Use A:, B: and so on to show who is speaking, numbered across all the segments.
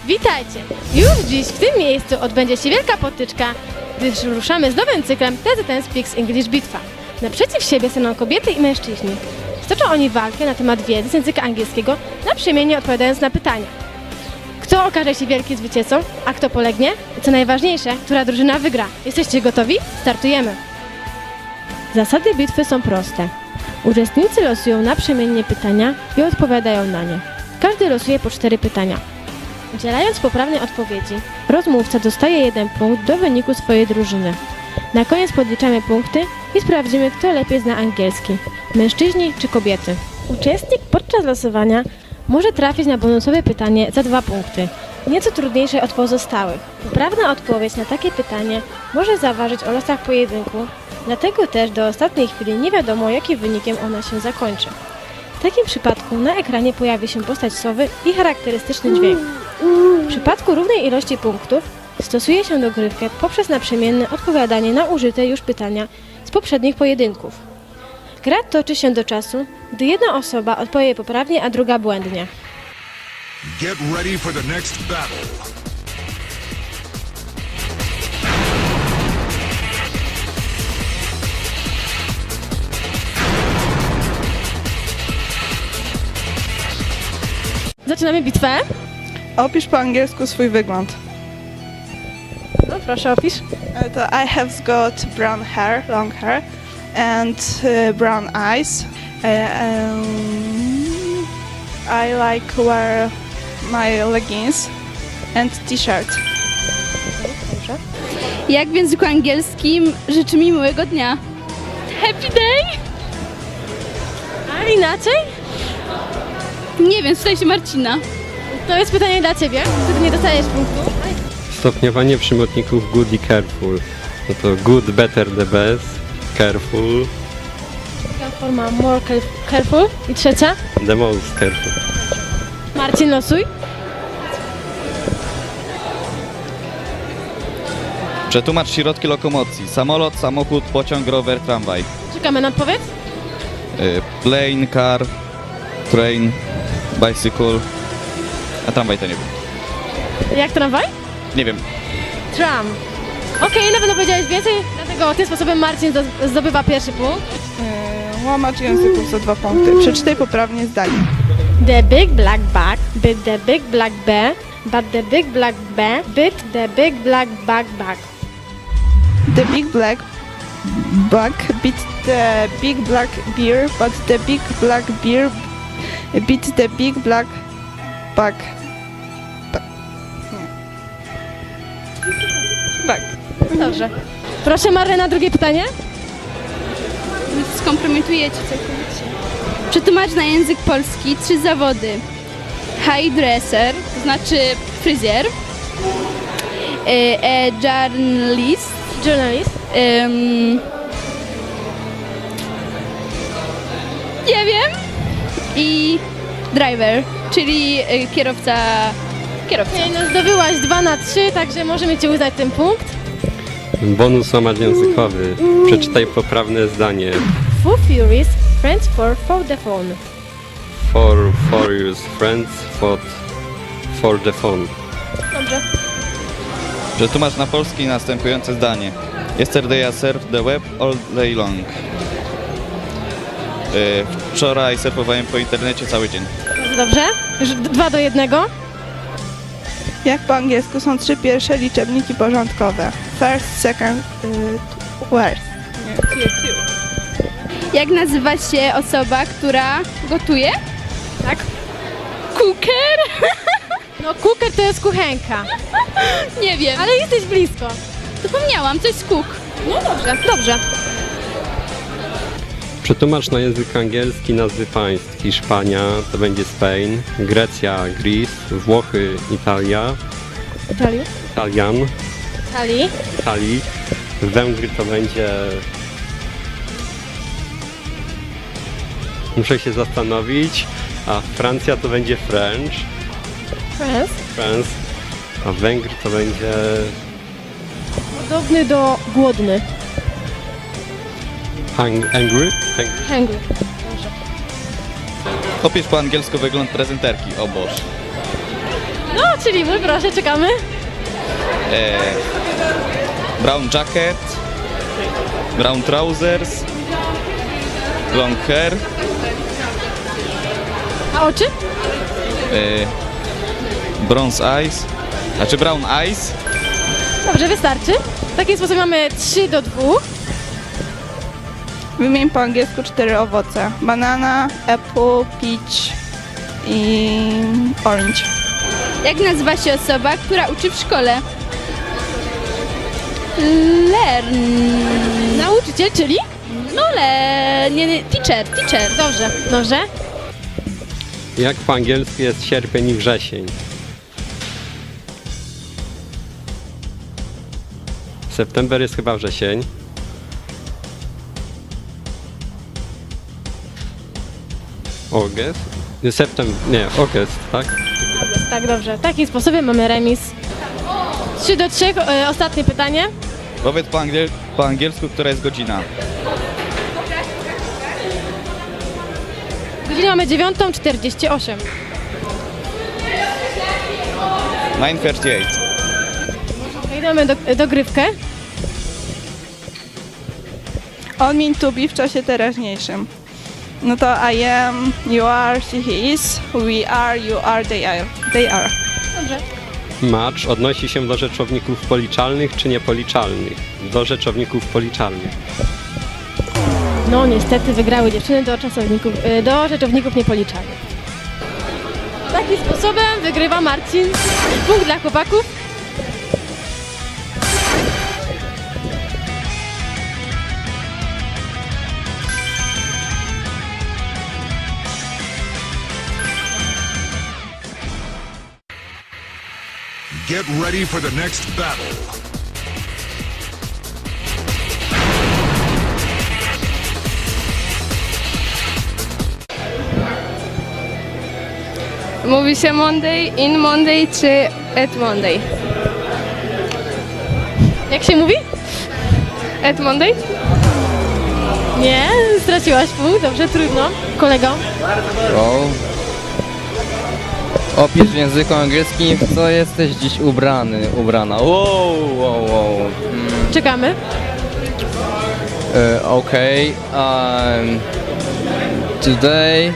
A: Witajcie! Już dziś w tym miejscu odbędzie się wielka potyczka, gdyż ruszamy z nowym cyklem TZN Speaks English Bitwa. Naprzeciw siebie staną kobiety i mężczyźni. Stoczą oni walkę na temat wiedzy z języka angielskiego, naprzemiennie odpowiadając na pytania. Kto okaże się wielkim zwycięzcą, a kto polegnie? I co najważniejsze, która drużyna wygra? Jesteście gotowi? Startujemy! Zasady bitwy są proste. Uczestnicy losują naprzemiennie pytania i odpowiadają na nie. Każdy losuje po 4 pytania. Udzielając poprawnej odpowiedzi, rozmówca dostaje 1 punkt do wyniku swojej drużyny. Na koniec podliczamy punkty i sprawdzimy, kto lepiej zna angielski, mężczyźni czy kobiety. Uczestnik podczas losowania może trafić na bonusowe pytanie za 2 punkty, nieco trudniejsze od pozostałych. Poprawna odpowiedź na takie pytanie może zaważyć o losach pojedynku, dlatego też do ostatniej chwili nie wiadomo, jakim wynikiem ona się zakończy. W takim przypadku na ekranie pojawi się postać sowy i charakterystyczny dźwięk. W przypadku równej ilości punktów stosuje się dogrywkę poprzez naprzemienne odpowiadanie na użyte już pytania z poprzednich pojedynków. Gra toczy się do czasu, gdy jedna osoba odpowie poprawnie, a druga błędnie.
B: Get ready for the next battle.
A: Zaczynamy bitwę.
C: Opisz po angielsku swój wygląd.
A: No proszę, opisz.
C: To I have got brown hair, long hair, and brown eyes. I like wear my leggings and t-shirt.
A: Dobrze.
D: Jak w języku angielskim życzy mi miłego dnia?
A: Happy day! A inaczej?
D: Nie wiem, spytaj się Marcina.
A: To jest pytanie dla Ciebie, wtedy nie dostajesz punktu.
E: Stopniowanie przymiotników good i careful. No to good, better, the best, careful,
A: Druga forma more careful. I trzecia?
E: the most careful.
A: Marcin, losuj.
F: Przetłumacz środki lokomocji. Samolot, samochód, pociąg, rower, tramwaj.
A: Czekamy na odpowiedź.
F: Plane, car, train, bicycle. A tramwaj to nie wiem.
A: Jak tramwaj?
F: Nie wiem.
A: Tram. Okej, na pewno powiedziałeś więcej, dlatego tym sposobem Marcin zdobywa pierwszy punkt.
C: Łamacz języków za 2 punkty. Przeczytaj poprawnie zdanie.
A: The big black bag bit the big black bear, but the big black bear bit the big black bag.
C: The big black bug beat the big black bear, but the big black bear beat the big black bug. Bug.
A: Dobrze. Proszę Marlena, drugie pytanie.
D: Skompromitujecie całkowicie. Przetłumacz na język polski 3 zawody. Hairdresser, to znaczy fryzjer. Journalist.
A: Journalist.
D: Nie wiem. I driver, czyli kierowca.
A: Okej, no zdobyłaś 2 na 3, także możemy Ci uznać ten punkt.
E: Bonus łamacz językowy. Przeczytaj poprawne zdanie.
A: Foo Furious, friends for the phone.
E: For your friends, for the phone.
A: Dobrze.
F: Przetłumacz na polski następujące zdanie. Yesterday I surfed the web all day long. Wczoraj surfowałem po internecie cały dzień.
A: Bardzo dobrze. Już 2 do 1.
C: Jak po angielsku są 3 pierwsze liczebniki porządkowe? First, second, worst.
D: Jak nazywa się osoba, która gotuje?
A: Tak?
D: Cooker?
A: No cooker to jest kuchenka,
D: Nie wiem, ale
A: ale jesteś blisko.
D: zapomniałam, to jest cook.
A: No dobrze, dobrze.
E: Przetłumacz na język angielski nazwy państw. Hiszpania to będzie Spain, Grecja, Greece, Włochy, Italia, Italian, Italii, Węgry to będzie... Muszę się zastanowić, a Francja to będzie French, France, a Węgry to będzie...
A: Podobny do głodny.
E: Angry?
A: Hungry.
F: Opisz po angielsku wygląd prezenterki. O Boże.
A: No, czyli mój, proszę, czekamy.
F: Brown jacket, brown trousers, long hair,
A: A oczy?
F: bronze eyes, znaczy brown eyes,
A: Dobrze, wystarczy. W takim sposobie mamy 3-2.
C: Wymień po angielsku 4 owoce. Banana, apple, peach i orange.
D: Jak nazywa się osoba, która uczy w szkole? Learn.
A: Nauczyciel, czyli?
D: No nie, teacher.
A: Dobrze, dobrze.
E: Jak po angielsku jest sierpień i wrzesień? September jest chyba wrzesień. August? August, tak?
A: Tak, dobrze. W takim sposobie mamy remis. 3-3. Ostatnie pytanie.
F: powiedz po angielsku, która jest godzina.
A: Godzinę mamy 9:48.
F: 9:38.
A: Idziemy dogrywkę.
C: On mean to be w czasie teraźniejszym. No to I am, you are, she, he is, we are, you are, they are. They are.
A: Dobrze.
E: Match odnosi się do rzeczowników policzalnych czy niepoliczalnych? Do rzeczowników policzalnych.
A: No niestety wygrały dziewczyny do rzeczowników niepoliczalnych. Takim sposobem wygrywa Marcin. Punkt dla chłopaków.
B: Get ready for the next battle.
G: Mówi się Monday, in Monday czy at Monday?
A: Jak się mówi?
G: At Monday?
A: Nie, straciłaś punkt. Dobrze, trudno. Kolego.
H: Wow. Opisz w języku angielskim, w co jesteś dziś ubrana. Wow.
A: Czekamy.
H: Okay. Today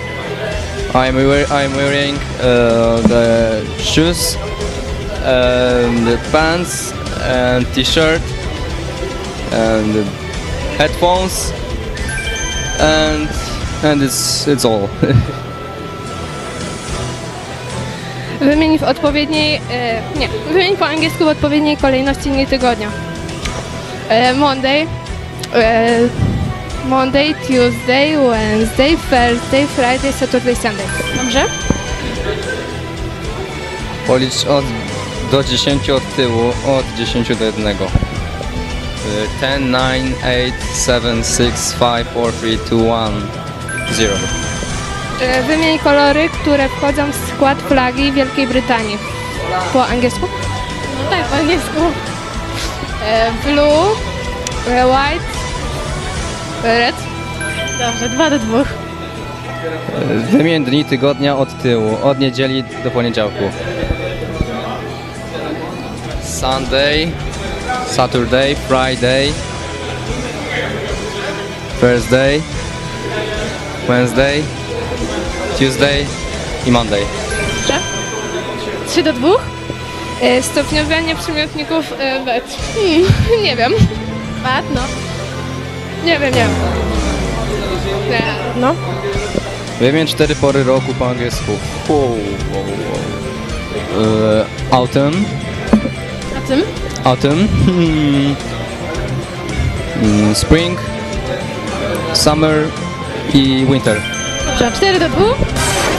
H: I'm wearing the shoes, the pants, and t-shirt, and the headphones, and it's all.
G: Wymień w odpowiedniej, wymień po angielsku w odpowiedniej kolejności dni tygodnia. Monday, Tuesday, Wednesday, Thursday, Friday, Saturday, Sunday.
A: Dobrze.
H: Policz do 10 od tyłu, od 10 do 1. 10, 9, 8, 7, 6, 5, 4, 3, 2, 1, 0.
G: Wymień kolory, które wchodzą w skład flagi Wielkiej Brytanii. Po angielsku?
A: No tak, po angielsku.
G: Blue, white, red.
A: Dobrze, 2-2.
H: Wymień dni tygodnia od tyłu, od niedzieli do poniedziałku. Sunday, Saturday, Friday, Thursday, Wednesday, Tuesday i Monday.
A: 3-2.
G: Stopniowanie przymiotników wet. Nie wiem.
A: Pat, no.
G: Nie wiem. Nie.
A: No.
H: Wymień 4 pory roku po angielsku. Autumn,
A: A tym?
H: autumn, spring, summer i winter.
A: Dobrze, 4-2.